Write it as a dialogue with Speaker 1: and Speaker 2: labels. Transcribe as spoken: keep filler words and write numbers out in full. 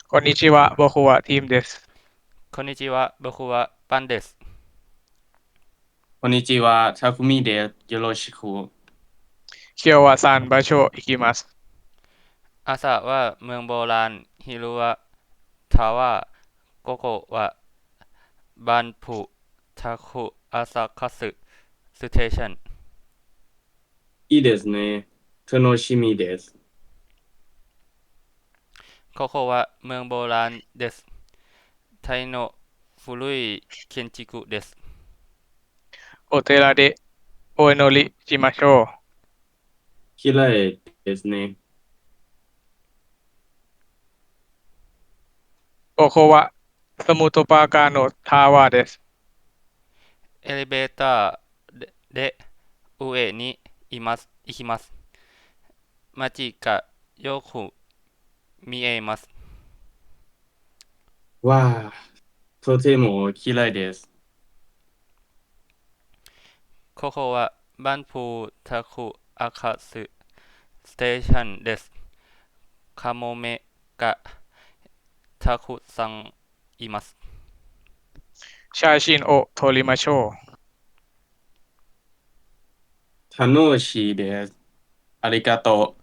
Speaker 1: こんにちは、僕はティムです。
Speaker 2: こんにちは、僕はパンです。
Speaker 1: こんにちは、タクミです。よろしく。今日はサン場所行きます。
Speaker 2: 朝はเมืองโบราณ昼はทาว午後はバンプタクアサカスステーション。
Speaker 1: いいですね。楽しみです。
Speaker 2: ここはเมืองโบราณです。タイの古い建築です。
Speaker 1: お寺でお祈りしましょう。綺麗ですね。ここはスムトパーカーのタワーです。
Speaker 2: エレベーターでで上にいます行きます。街がよく見えます。
Speaker 1: わあ、とても綺麗です。
Speaker 2: ここはバンプタクアカスステーションです。カモメがたくさんいます。
Speaker 1: 写真を撮りましょう。楽しいです。ありがと